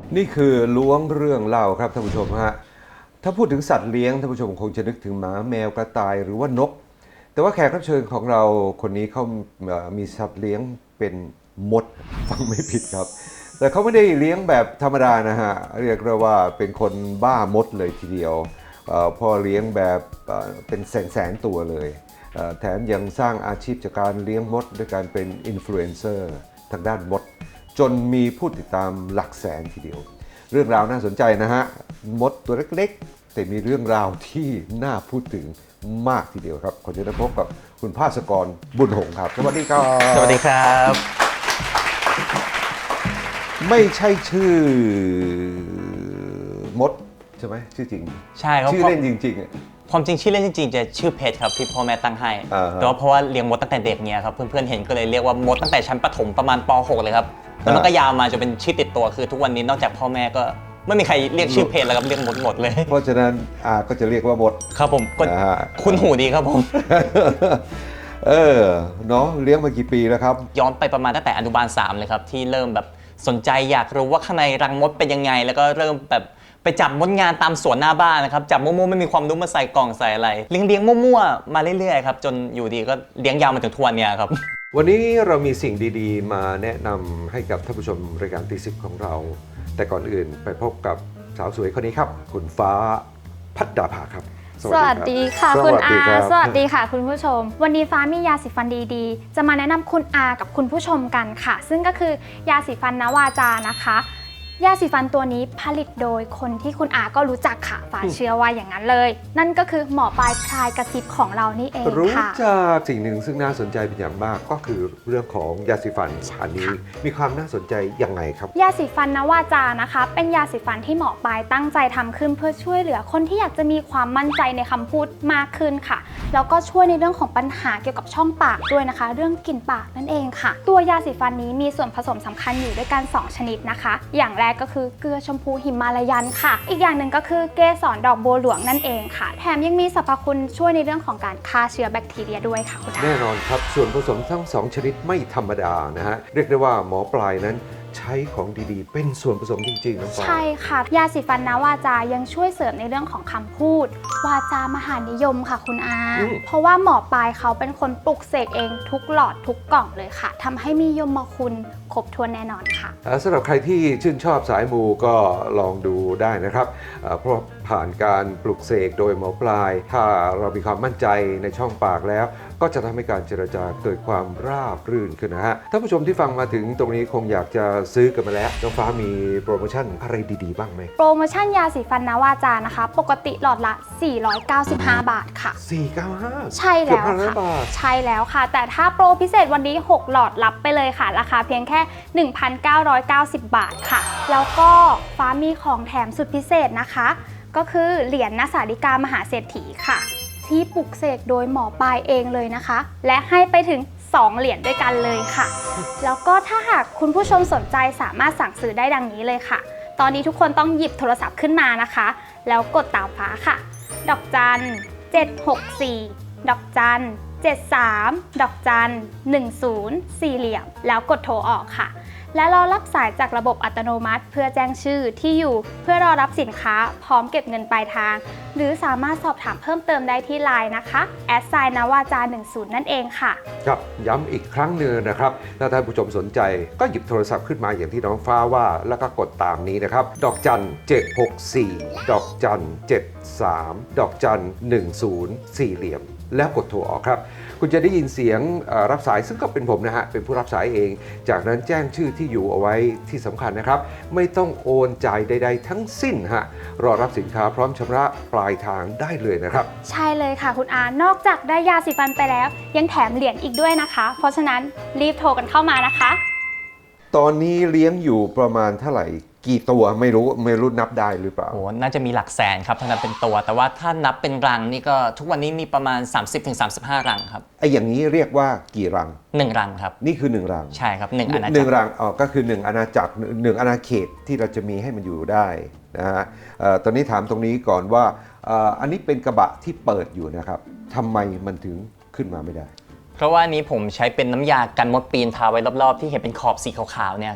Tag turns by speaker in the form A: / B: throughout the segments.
A: นี่คือล้วงเรื่องเล่าครับท่านผู้ชมฮะถ้าพูดถึงสัตว์เลี้ยงท่านผู้ชมคงจะนึกถึงหมาแมวกระต่ายหรือว่านกแต่ว่าแขกรับเชิญของเราคนนี้เขามีสัตว์เลี้ยงเป็นมดฟังไม่ผิดครับแต่เขาไม่ได้เลี้ยงแบบธรรมดานะฮะเรียกได้ว่าเป็นคนบ้ามดเลยทีเดียวพ่อเลี้ยงแบบเป็นแสนตัวเลยแถมยังสร้างอาชีพจากการเลี้ยงมดด้วยการเป็นอินฟลูเอนเซอร์ทางด้านมดจนมีผู้ติดตามหลักแสนทีเดียวเรื่องราวน่าสนใจนะฮะมดตัวเล็กๆแต่มีเรื่องราวที่น่าพูดถึงมากทีเดียวครับขอเชิญพบกับคุณภาสกรบุญหงส์ครับสวัสดีครับ
B: สวัสดีครับ
A: ไม่ใช่ชื่อมดใช่ไหมชื่อจริง
B: ใช่ครับ
A: ชื่อเล่นจริงๆ
B: ความจริงชื่อเล่นจริงๆจะชื่อเพชรครับที่พ่อแม่ตั้งให้แต่ว่าเพราะว่าเลี้ยงมดตั้งแต่เด็กเนี่ยครับเพื่อนๆเห็นก็เลยเรียกว่ามดตั้งแต่ชั้นประถมประมาณป .6 เลยครับแล้วมันก็ยาวมาจนเป็นชื่อติดตัวคือทุกวันนี้นอกจากพ่อแม่ก็ไม่มีใครเรียกชื่อเพชรแล้วครับเรียกมดหมดเลย
A: เพราะฉะนั้นก็จะเรียกว่ามด
B: ครับผมก็คุ้นหูดีครับผม
A: เนาะเลี้ยงมากี่ปีแล้วครับ
B: ย้อนไปประมาณตั้งแต่อนุบาล3เลยครับที่เริ่มแบบสนใจอยากรู้ว่าข้างในรังมดเป็นยังไงแล้วก็เริ่มแบบไปจับมดงานตามสวนหน้าบ้านนะครับจับมั่วๆไม่มีความรู้มาใส่กล่องใส่อะไรเลี้ยงมั่วๆมาเรื่อยๆครับจนอยู่ดีก็เลี้ยงยาวมาถึงทุกวันนี้ครับ
A: วันนี้เรามีสิ่งดีๆมาแนะนำให้กับท่านผู้ชมรายการตีสิบของเราแต่ก่อนอื่นไปพบกับสาวสวยคนนี้ครับคุณฟ้าภัดดาภาครับ
C: สวัสดีค่ะคุณอาสวัสดีค่ะคุณผู้ชมวันนี้ฟ้ามียาสีฟันดีๆจะมาแนะนำคุณอากับคุณผู้ชมกันค่ะซึ่งก็คือยาสีฟันนวาจานะคะยาสีฟันตัวนี้ผลิตโดยคนที่คุณอาก็รู้จักค่ะฟ้าเชื่อว่าอย่างนั้นเลยนั่นก็คือหมอปลายพลายกระซิบของเรานี่เองค่ะ
A: รู้จักสิ่งหนึ่งซึ่งน่าสนใจเป็นอย่างมากก็คือเรื่องของยาสีฟันอันนี้มีความน่าสนใจยังไงครับ
C: ยาสีฟันนวาจานะคะเป็นยาสีฟันที่หมอปลายตั้งใจทำขึ้นเพื่อช่วยเหลือคนที่อยากจะมีความมั่นใจในคำพูดมากขึ้นค่ะแล้วก็ช่วยในเรื่องของปัญหาเกี่ยวกับช่องปากด้วยนะคะเรื่องกลิ่นปากนั่นเองค่ะตัวยาสีฟันนี้มีส่วนผสมสำคัญอยู่ด้วยกัน2ชนิดนะคะอย่างแรกก็คือเกลือชมพูหิมาลายันค่ะอีกอย่างหนึ่งก็คือเกสรดอกบัวหลวงนั่นเองค่ะแถมยังมีสรรพคุณช่วยในเรื่องของการฆ่าเชื้อแบคทีเรียด้วยค่ะคุณอา
A: แน่นอนครับส่วนผสมทั้ง2ชนิดไม่ธรรมดานะฮะเรียกได้ว่าหมอปลายนั้นใช้ของดีๆเป็นส่วนผสมจริงๆน้องฟ้า
C: ใช่ค่ะยาสีฟันนวาจายังช่วยเสริมในเรื่องของคำพูดวาจามหานิยมค่ะคุณอาเพราะว่าหมอปลายเขาเป็นคนปลุกเสกเองทุกหลอดทุกกล่องเลยค่ะทำให้มียมคุณครบถ้วนแน่นอนค่ะ
A: สำหรับใครที่ชื่นชอบสายมูก็ลองดูได้นะครับเพราะผ่านการปลุกเสกโดยหมอปลายถ้าเรามีความมั่นใจในช่องปากแล้วก็จะทำให้การเจรจาเกิดความราบรื่นขึ้นนะฮะท่านผู้ชมที่ฟังมาถึงตรงนี้คงอยากจะซื้อกันมาแล้วน้องฟ้ามีโปรโมชั่นอะไรดีๆบ้างไหม
C: โปรโมชั่นยาสีฟันนวาจานะคะปกติหลอดละ495 บาทค่ะ
A: 495
C: ใช่แล้วค่ะใช่แล้วค่ะแต่ถ้าโปรพิเศษวันนี้6หลอดรับไปเลยค่ะราคาเพียงแค่ 1,990 บาทค่ะแล้วก็ฟ้ามีของแถมสุดพิเศษนะคะก็คือเหรียญณสาริกามหาเศรษฐีค่ะที่ปลุกเสกโดยหมอปลายเองเลยนะคะและให้ไปถึง2เหรียญด้วยกันเลยค่ะแล้วก็ถ้าหากคุณผู้ชมสนใจสามารถสั่งซื้อได้ดังนี้เลยค่ะตอนนี้ทุกคนต้องหยิบโทรศัพท์ขึ้นมานะคะแล้วกดตามฟ้าค่ะดอกจัน764ดอกจัน73ดอกจัน10 4เหลี่ยมแล้วกดโทรออกค่ะและรอรับสายจากระบบอัตโนมัติเพื่อแจ้งชื่อที่อยู่เพื่อรอรับสินค้าพร้อมเก็บเงินปลายทางหรือสามารถสอบถามเพิ่มเติมได้ที่ LINE นะคะนวาจา10นั่นเองค่ะ
A: ครับย้ำอีกครั้งหนึ่งนะครับถ้าท่านผู้ชมสนใจก็หยิบโทรศัพท์ขึ้นมาอย่างที่น้องฟ้าว่าแล้วก็กดตามนี้นะครับดอกจัน764ดอกจัน73ดอกจัน10 4เหลี่ยมแล้วกดโทรออกครับคุณจะได้ยินเสียงรับสายซึ่งก็เป็นผมนะฮะเป็นผู้รับสายเองจากนั้นแจ้งชื่อที่อยู่เอาไว้ที่สำคัญนะครับไม่ต้องโอนจ่ายใดๆทั้งสิ้นฮะรอรับสินค้าพร้อมชำระปลายทางได้เลยนะครับ
C: ใช่เลยค่ะคุณอานอกจากได้ยาสีฟันไปแล้วยังแถมเหรียญอีกด้วยนะคะเพราะฉะนั้นรีบโทรกันเข้ามานะคะ
A: ตอนนี้เลี้ยงอยู่ประมาณเท่าไหร่กี่ตัวไม่รู้นับได้หรือเปล่า
B: โอ้น่าจะมีหลักแสนครับถ้านับเป็นตัวแต่ว่าถ้านับเป็นรังนี่ก็ทุกวันนี้มีประมาณ 30-35 รังครับ
A: ไอ้อย่างนี้เรียกว่ากี่รัง
B: 1รังครับ
A: นี่คือ1รัง
B: ใช่ครับ1อาณาจักร
A: 1รังก็คือ1อาณาจักร1อาณาเขตที่เราจะมีให้มันอยู่ได้นะฮะตอนนี้ถามตรงนี้ก่อนว่าอันนี้เป็นกระบะที่เปิดอยู่นะครับทำไมมันถึงขึ้นมาไม่ได้
B: เพราะว่านี้ผมใช้เป็นน้ำยากันมดปีนทาไว้รอบๆที่เห็นเป็นขอบสีขาวๆเนี่ยครับ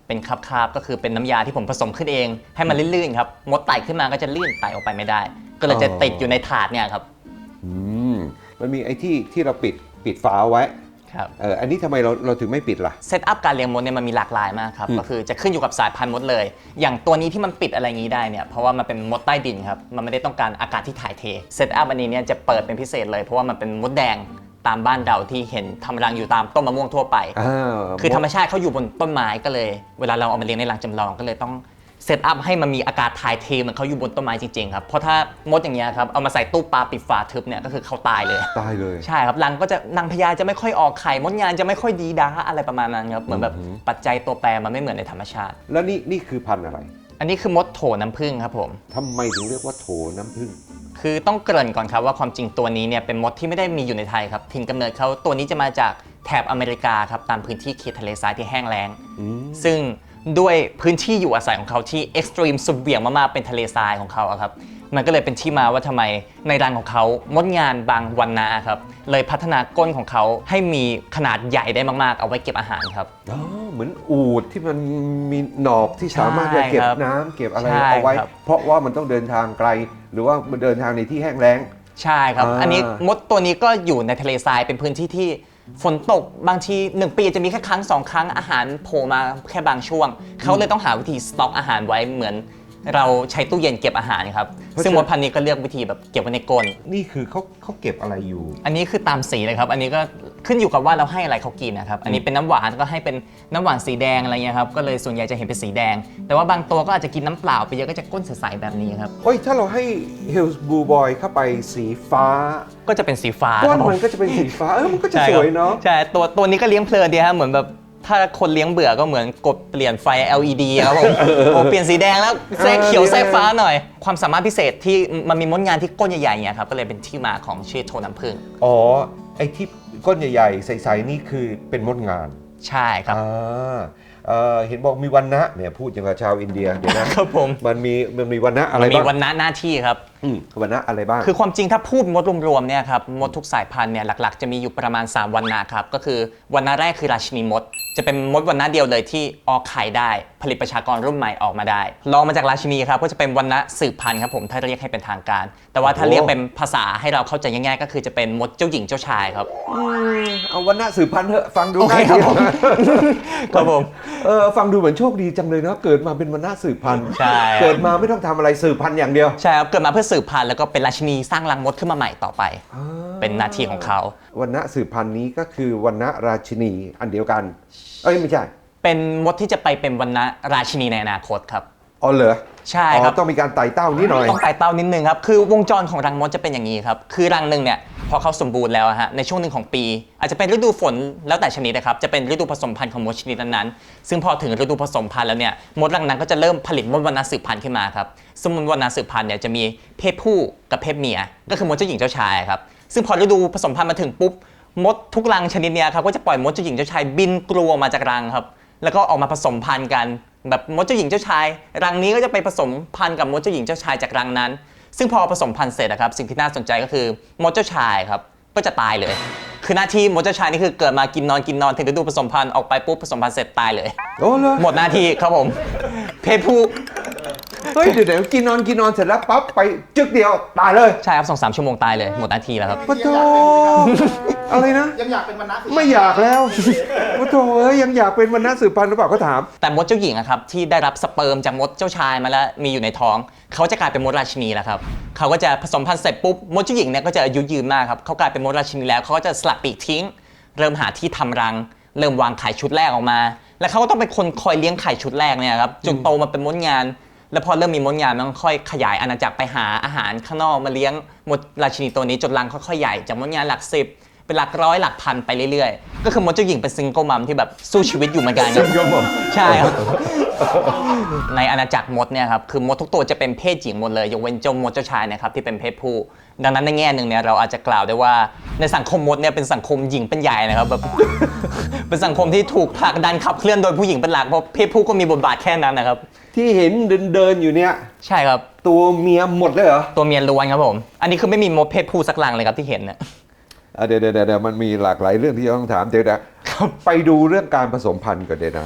B: เป็นคราบๆก็คือเป็นน้ำยาที่ผมผสมขึ้นเอง ให้มันลื่นๆครับมดไต่ขึ้นมาก็จะลื่นไต่ออกไปไม่ได้ ก็เลยจะติดอยู่ในถาดเนี่ยครับ
A: มันมีไอ้ที่เราปิดฝาเอาไว้
B: ครับ
A: อันนี้ทำไมเราถึงไม่ปิดล่ะ
B: เซตอัพการเลี้ยงมดเนี่ยมันมีหลากหลายมากครับก็คือจะขึ้นอยู่กับสายพันธุ์มดเลย อย่างตัวนี้ที่มันปิดอะไรงี้ได้เนี่ยเพราะว่ามันเป็นมดใต้ดินครับมันไม่ได้ต้องการอากาศที่ถ่ายเทเซตอัพอันนี้เนี่ยจะเปิดเป็นพิเศษเลยเพราะว่ามันเป็นมดแดงตามบ้านเราที่เห็นทำรังอยู่ตามต้นมะม่วงทั่วไป คือธรรมชาติเขาอยู่บนต้นไม้ก็เลย เวลาเราเอามาเลี้ยงในรังจำลองก็เลยต้องเซตอัพให้มันมีอากาศถ่ายเทเหมือนเขาอยู่บนต้นไม้จริงๆครับเพราะถ้ามดอย่างเงี้ยครับเอามาใส่ตู้ปลาปิดฝาทึบเนี่ยก็คือเขาตายเลย
A: ตายเลย
B: ใช่ครับรังก็จะนางพญาจะไม่ค่อยออกไข่มดงานจะไม่ค่อยดีด้าอะไรประมาณนั้นครับเหมือนแบบปัจจัยตัวแปรมันไม่เหมือนในธรรมชาติ
A: แล้วนี่คือพันธุ์อะไร
B: อันนี้คือมดโถน้ำผึ้งครับผม
A: ทำไมถึงเรียกว่าโถน้ำผึ้ง
B: คือต้องเกริ่นก่อนครับว่าความจริงตัวนี้เนี่ยเป็นมดที่ไม่ได้มีอยู่ในไทยครับถิ่นกำเนิดเขาตัวนี้จะมาจากแถบอเมริกาครับตามพื้นที่เขตทะเลทรายที่แห้งแล้งซึ่งด้วยพื้นที่อยู่อาศัยของเขาที่เอ็กซ์ตรีมสุดเหวี่ยงมากๆเป็นทะเลทรายของเขาอะครับมันก็เลยเป็นที่มาว่าทำไมในรังของเขามดงานบางวันนะครับเลยพัฒนาก้นของเขาให้มีขนาดใหญ่ได้มากๆเอาไว้เก็บอาหารครับ
A: เหมือนอูฐที่มันมีหนอกที่สามารถจะเก็บน้ำเก็บอะไร
B: ใช่
A: เอาไว้
B: ครับ
A: เพราะว่ามันต้องเดินทางไกล หรือว่ามันเดินทางในที่แห้งแล้ง
B: ใช่ครับ อันนี้มดตัวนี้ก็อยู่ในทะเลทรายเป็นพื้นที่ที่ฝนตกบางที1 ปีจะมีแค่ครั้ง2 ครั้งอาหารโผล่มาแค่บางช่วง เขาเลยต้องหาวิธีสต็อกอาหารไว้เหมือนเราใช้ตู้เย็นเก็บอาหารครับซึ่งมดพันธุ์นี้ก็เลือกวิธีแบบเก็บไว้ในก้น
A: นี่คือเขาเก็บอะไรอยู่
B: อันนี้คือตามสีเลยครับอันนี้ก็ขึ้นอยู่กับว่าเราให้อะไรเขากินนะครับอันนี้เป็นน้ำหวานก็ให้เป็นน้ำหวานสีแดงอะไรเงี้ยครับก็เลยส่วนใหญ่จะเห็นเป็นสีแดง แต่ว่าบางตัวก็อาจจะกินน้ำเปล่าไปเยอะก็จะก้นใสๆแบบนี้ครับ
A: โอ้ยถ้าเราให้ Hills Blue Boy เข้าไปสีฟ้า
B: ก็จะเป็นสีฟ้า
A: ก้
B: ครั
A: น
B: บผม
A: มันก็จะเป็นสีฟ้ามันก็จะ
B: ใช่
A: ส
B: ครับ
A: วยเนาะ
B: ใช่ตัวนี้ก็เลี้ยงเพลินดีฮะเหมือนแบบถ้าคนเลี้ยงเบื่อก็เหมือนกดเปลี่ยนไฟ LED ครับผมโอ้เปลี่ยนสีแดงแล้วแทรกเขียวแทรกฟ้าหน่อย ความสามารถพิเศษที่มันมีมดงานที่ก้นใหญ่ๆเนี่ยครับก็เลยเป็นที่มาของชื่อโทน้ำผึ้ง
A: อ๋อ ไอ้ที่ก้นใหญ่ๆ ใสๆนี่คือเป็นมดงาน
B: ใช่ครับ
A: เห็นบอกมีวันนะเนี่ยพูดอย่างกับชาวอินเดียเดี๋ยวนะครับ
B: ผม
A: มันมีวันนะอะไร
B: มันมี
A: บ้าง
B: วันณะหน้าที่ครับ
A: วันนะอะไรบ้าง
B: คือความจริงถ้าพูดมดรวมๆเนี่ยครับมดทุกสายพันธุ์เนี่ยหลักๆจะมีอยู่ประมาณ3วันนะครับก็คือวันณะแรกคือราชินีมด จะเป็นมดวันณะเดียวเลยที่ออกไข่ได้ผลิตประชากรรุ่นใหม่ออกมาได้รองมาจากราชินีครับก็จะเป็นวันณะสืบพันธุ์ครับผมถ้าเรียกให้เป็นทางการ แต่ว่าถ้าเรียกเป็นภาษาให้เราเข้าใจง่ายๆก็คือจะเป็นมดเจ้าหญิงเจ้าชายครับ
A: เอาวันนะสืบพันธุ์เถอะฟังดู
B: โอเค
A: ง่าย
B: ครั
A: ดี
B: บผม ครับผม
A: ฟังดูเหมือนโชคดีจังเลยเนาะเกิดมาเป็นวันนะสืบพันธุ์
B: ใช่
A: เกิดมาไม่ต้องทำอะไรสืบพันธุ์อย่างเดียว
B: ใช่ครับเกิดมาเพื่อสืบพันธุ์แล้วก็เป็นราชินีสร้างรังมดขึ้นมาใหม่ต่อไป เป็นหน้าที่ของเขา
A: วันนะสืบพันธุ์นี้ก็คือวันนะราชินีอันเดียวกันไม่ใช่
B: เป็นมดที่จะไปเป็นวันณะราชินีในอนาคตครับ
A: อ๋อเหรอ
B: ใช่ครับ
A: ต้องมีการไต่เต้านิดหน่อย
B: ต้องไต่เต้านิดนึงครับ คือวงจรของรังมดจะเป็นอย่างนี้ครับ คือรังหนึ่งเนี่ยพอเขาสมบูรณ์แล้วอะฮะ ในช่วงหนึ่งของปี อาจจะเป็นฤดูฝนแล้วแต่ชนิดนะครับ จะเป็นฤดูผสมพันธุ์ของมดชนิดนั้นๆซึ่งพอถึงฤดูผสมพันธุ์แล้วเนี่ย มดรังนั้นก็จะเริ่มผลิตมดวันณะสืบพันธุ์ขึ้นมาครับซึ่งมดวันณะสืบพันธุ์เนี่ยจะมีเพศผู้กับเพศเมีย ก็คือมดเจ้าหญิงเจ้าชายครับ ซึ่งพอฤดูผสมพันธุ์มาถึงปุ๊บ มดทุกรังชนิดเนี้ยครับก็จะปล่อยมดเจ้าหญิงเจ้าชายบินกลัวมาจากรังครับ แล้วก็ออกมาผสมพันธุ์กันแบบมดเจ้าหญิงเจ้าชาย รังนี้ก็จะไปผสมพันธุ์กับมดเจ้าหญิงเจ้าชายจากรังนั้น ซึ่งพอผสมพันธุ์เสร็จนะครับสิ่งที่น่าสนใจก็คือมดเจ้าชายครับก็จะตายเลย คือหน้าที่มดเจ้าชายนี่คือเกิดมากินนอนถึงฤดูผสมพันธุ์ออกไปปุ๊บผสมพันธุ์เสร็จตายเลย
A: โอ้เหรอ
B: หมดหน้าที่ครับผมเพศผู้
A: เฮ้ยเดี๋ยวกินนอนเสร็จแล้วปั๊บไปจึกเดียวตายเลย
B: ใช่ครับ2-3 ชั่วโมงตายเลยหมดหน้าที่แล้วครับ
A: ปะโถอะไรนะ
D: ยังอยากเป็นวันนะ
A: ไม่อยากแล้วปะโถยังอยากเป็นวันนะสืบพันธุ์หรือเปล่าก็ถาม
B: แต่มดเจ้าหญิงอะครับที่ได้รับสเปิร์มจากมดเจ้าชายมาแล้วมีอยู่ในท้อง เขาจะกลายเป็นมดราชินีแล้วครับเขาก็จะผสมพันธุ์เสร็จปุ๊บมดเจ้าหญิงเนี่ยก็จะอายุยืนมากครับเขากลายเป็นมดราชินีแล้วเขาก็จะสลัดปีกทิ้ง เริ่มหาที่ทำรัง เริ่มวางไข่ชุดแรกออกมา แล้วเขาก็ต้องเป็นคนคอยเลี้ยงไข่ชุดแรกเนี่ยครับจนโตมาเป็นมดงาน แล้วพอเริ่มมีมดงานมันก็ค่อยขยายอาณาจักรไปหาอาหารข้างนอกมาเลี้ยงมดราชินีตัวนี้จนรังค่อยๆใหญ่จากมดงานหลัก10เป็นหลักร้อยหลักพันไปเรื่อยๆก็คือมดเจ้าหญิงเป็นซิงเกิลมัมที่แบบสู้ชีวิตอยู่เหมือนกันครับ
A: Single mom
B: ใช่ครับ ในอาณาจักรมดเนี่ยครับคือมดทุกตัวจะเป็นเพศหญิงหมดเลยยกเว้นเจ้ามดเจ้าชายนะครับที่เป็นเพศผู้ ดังนั้นในแง่หนึ่งเนี่ยเราอาจจะกล่าวได้ว่าในสังคมมดเนี่ยเป็นสังคมหญิงเป็นใหญ่นะครับแบบ เป็นสังคมที่ถูกผลักดันขับเคลื่อนโดยผู้หญิงเป็นหลักเพราะเพศผู้ก็มีบทบาทแค่นั้นนะครับ
A: ที่เห็นเดินอยู่เนี่ย
B: ใช่ครับ
A: ตัวเมียหมดเลยเหรอ
B: ตัวเมียล้วนครับผมอันนี้คือไม่มีมดเพศผู้สักรังเลยครับที่เห็นเนี่ย
A: เดี๋ยวมันมีหลากหลายเรื่องที่จะต้องถามเดี๋ยวนะไปดูเรื่องการผสมพันธุ์ก่อนเดี๋ยวนะ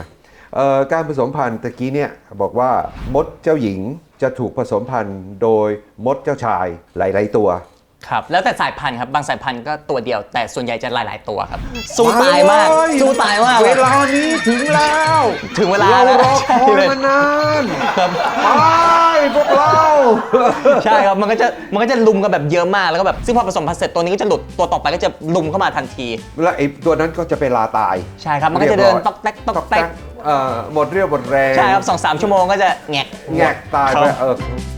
A: การผสมพันธุ์ตะกี้เนี่ยบอกว่ามดเจ้าหญิงจะถูกผสมพันธุ์โดยมดเจ้าชายหลายๆตัว
B: ครับแล้วแต่สายพันธุ์ครับบางสายพันธุ์ก็ตัวเดียวแต่ส่วนใหญ่จะหลายๆตัวครับสู้ตายมากสู้ตายมาก
A: เวลานี้ถึงแล้ว
B: ถึงเวลา
A: เรา
B: แล้ว
A: รอคอย
B: ใช่เลย
A: มานาน
B: ครับ
A: ไปพวกเรา
B: ใช่ครับมันก็จะลุมกันแบบเยอะมากแล้วก็แบบซึ่งพอผสมพันธุ์เสร็จตัวนี้ก็จะหลุดตัวต่อไปก็จะลุมเข้ามาทันที
A: แล้วไอ้ตัวนั้นก็จะไปลาตาย
B: ใช่ครับมันก็จะเดินตอกแตกตอกแตก
A: หมดเรี่ยวหมดแรง
B: ใช่ครับ2-3 ชั่วโมงก็จะแงก
A: แงกตาย
B: ค
A: ไป
B: รับ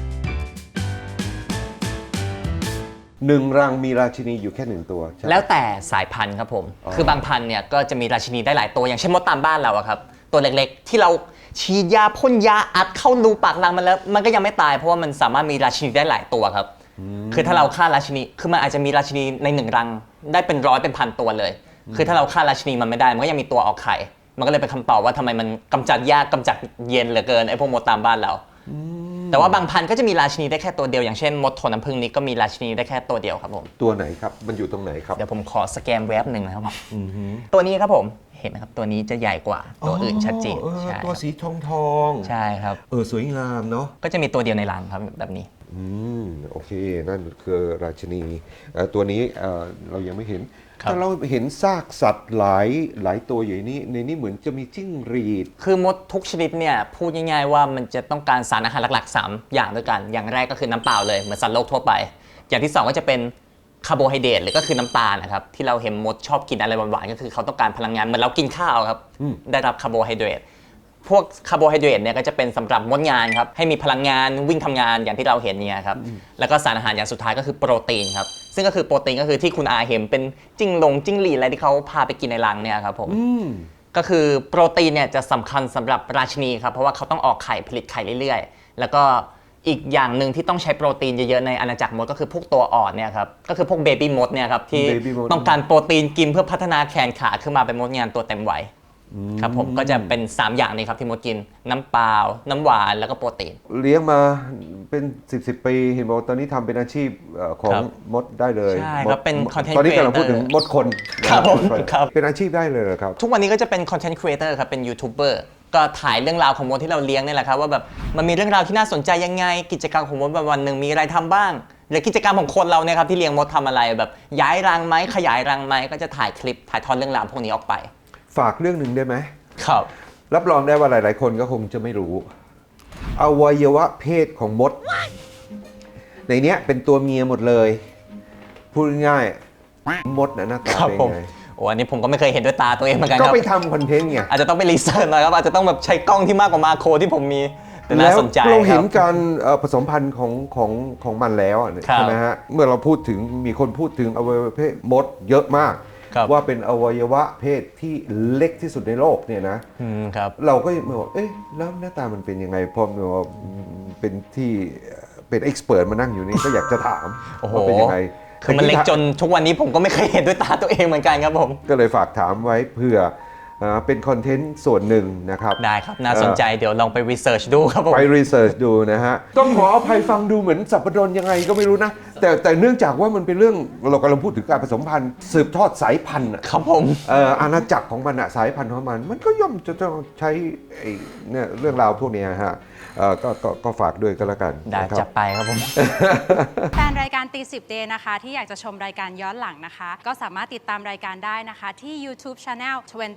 A: หนึ่งรังมีราชินีอยู่แค่หนึ่งตัวใช่ไหม
B: แล้วแต่สายพันธุ์ครับผม
A: อ๋อ
B: คือบางพันธุ์เนี่ยก็จะมีราชินีได้หลายตัวอย่างเช่นมดตามบ้านเราอะครับตัวเล็กๆ ที่เราฉีดยาพ่นยาอัดเข้ารูปากรังมันแล้วมันก็ยังไม่ตายเพราะว่ามันสามารถมีราชินีได้หลายตัวครับคือถ้าเราฆ่าราชินีคือมันอาจจะมีราชินีในหนึ่งรังได้เป็นร้อยเป็นพันตัวเลย คือถ้าเราฆ่าราชินีมันไม่ได้มันก็ยังมีตัวออกไข่มันก็เลยเป็นคำตอบว่าทำไมมันกำจัดยากกำจัดเย็นเหลือเกินไอ้พวกมดตามบ้านเรา แต่ว่าบางพันธุ์ก็จะมีราชินีได้แค่ตัวเดียวอย่างเช่นมดโทน้ำผึ้งนี้ก็มีราชินีได้แค่ตัวเดียวครับผม
A: ตัวไหนครับ มันอยู่ตรงไหนครับ
B: เดี๋ยวผมขอสแกนเว็บหนึ่งนะครับผมตัวนี้ครับผมเห็นไหมครับตัวนี้จะใหญ่กว่าตัวอื่นชัดเจน
A: อ๋อ
B: ใช่
A: ตัว
B: ครับ
A: สีทองทอง
B: ใช่ครับ
A: สวยงามเนาะ
B: ก็จะมีตัวเดียวในรังครับแบบนี้
A: โอเค นั่นคือราชินีตัวนี้เรายังไม่เห็น
B: ครับ
A: แต่เราเห็นซากสัตว์หลายตัวอยู่ในนี้เหมือนจะมีจิ้งหรีด
B: คือมดทุกชนิดเนี่ยพูดง่ายๆว่ามันจะต้องการสารอาหารหลักๆ 3 อย่างด้วยกัน อย่างแรกก็คือน้ำเปล่าเลยเหมือนสัตว์โลกทั่วไป อย่างที่ 2 ก็จะเป็นคาร์โบไฮเดรตหรือก็คือน้ำตาลนะครับที่เราเห็นมดชอบกินอะไรหวานๆก็คือเขาต้องการพลังงานเหมือนเรากินข้าวครับได้รับคาร์โบไฮเดรตพวกคาร์โบไฮเดรตเนี่ยก็จะเป็นสำหรับมดงานครับให้มีพลังงานวิ่งทำงานอย่างที่เราเห็นเนี่ยครับแล้วก็สารอาหารอย่างสุดท้ายก็คือโปรตีนครับซึ่งก็คือโปรตีนก็คือที่คุณอาเห็นเป็นจิ้งหรีดอะไรที่เขาพาไปกินในรังเนี่ยครับผมก็คือโปรตีนเนี่ยจะสำคัญสำหรับราชินีครับเพราะว่าเขาต้องออกไข่ผลิตไข่เรื่อยๆแล้วก็อีกอย่างหนึ่งที่ต้องใช้โปรตีนเยอะๆในอาณาจักรมดก็คือพวกตัวอ่อนเนี่ยครับก็คือพวกเบบี้มดเนี่ยครับที่
A: Baby mode
B: ต้องการโปรตีนกินเพื่อพัฒนาแขนขาขึ้นมาเป็นมดงานตัวเต็มวัยครับผมก็จะเป็น 3 อย่างนี้ครับที่มดกินน้ำเปล่าน้ำหวานแล้วก็โปรตีน
A: เลี้ยงมาเป็น10 ปีเห็นบอกตอนนี้ทำเป็นอาชีพของ
B: ครับ
A: มดได้เลย
B: ใช่ครับ
A: มด
B: เป็น content
A: ตอนนี้กำลังพูดถึง
B: creator
A: มดคนนะครับ
B: ผม
A: มดน
B: ครับ
A: เป็นอาชีพได้เลยเหรอครับ
B: ทุกวันนี้ก็จะเป็นคอนเทนต์ครีเอเตอร์ครับ เป็นยูทูบเบอร์ก็ถ่ายเรื่องราวของมดที่เราเลี้ยงนี่แหละครับว่าแบบมันมีเรื่องราวที่น่าสนใจยังไง กิจกรรมของมดวันหนึ่งมีอะไรทำบ้าง หรือกิจกรรมของคนเราเนี่ยครับที่เลี้ยงมดทำอะไรแบบย้ายรังไหมขยายรังไหมก็จะถ่ายคลิปถ่ายทอดเรื่องราวพวกนี้ออกไป
A: ฝากเรื่องหนึ่งได้ไหม
B: ครับ
A: รับรองได้ว่าหลาย ๆ คนก็คงจะไม่รู้อวัยวะเพศของมด ในเนี้ยเป็นตัวเมียหมดเลย พูดง่ายๆมดน่ะหน้าตา
B: ครับ
A: เป็น
B: ผม
A: ไง
B: โอ้อันนี้ผมก็ไม่เคยเห็นด้วยตาตัวเองเหมือนกัน
A: ก็
B: ครับ
A: ไปทำคอนเทนต์ไง
B: อาจจะต้องไปรีเสิร์ชหน่อยครับอาจจะต้องแบบใช้กล้องที่มากกว่ามาโครที่ผมมีแต่น่าสนใจ
A: แล้วเรา
B: ค
A: เห็
B: รั
A: น
B: บ
A: การผสมพันธุ์ของมันแล้วอะ
B: ครับ
A: ใช่ไหมฮะเมื่อเราพูดถึงมีคนพูดถึงอวัยวะเพศมดเยอะมาก
B: ครับ
A: ว่าเป็นอวัยวะเพศที่เล็กที่สุดในโลกเนี่ยนะ
B: ครับ
A: เราก็มาบอกเอ๊ะแล้วหน้าตามันเป็นยังไงพอมาเป็นที่เป็นเอ็กซ์เพรสมานั่งอยู่นี่ ก็อยากจะถาม
B: โอ้โห
A: ว่าเป็นยังไง
B: คือมันเล็กจนทุกวันนี้ผมก็ไม่เคยเห็นด้วยตาตัวเองเหมือนกันครับผม
A: ก็เลยฝากถามไว้เพื่อเป็นคอนเทนต์ส่วนหนึ่งนะครับ
B: ได้ครับ น่าสนใจเดี๋ยวลองไปรีเสิร์ชดูครับผม
A: ไปรีเสิร์ชดูนะฮะ ต้องขออภัยฟังดูเหมือนสับปะรดยังไงก็ไม่รู้นะ แต่เนื่องจากว่ามันเป็นเรื่องเรากำลังพูดถึงการผสมพันธุ์สืบทอดสายพันธุ์อะ
B: ครับผม
A: อาณาจักรของมันอะสายพันธุ์ของมัน มันก็ย่อมจะต้องใช้ไอ้เนี่ยเรื่องราวพวกเนี้ยฮะก็ฝากด้วยก็แล้วกัน
B: ได้
A: นะครับ
B: จับไปครับผม
D: แฟนรายการตี10 Day นะคะที่อยากจะชมรายการย้อนหลังนะคะ ก็สามารถติดตามรายการได้นะคะ ที่ YouTube Channel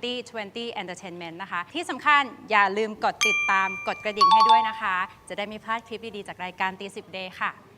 D: 2020 Entertainment นะคะ ที่สำคัญอย่าลืมกดติดตามกดกระดิ่งให้ด้วยนะคะ จะได้ไม่พลาดคลิปดี ๆ จากรายการตี10 Day ค่ะ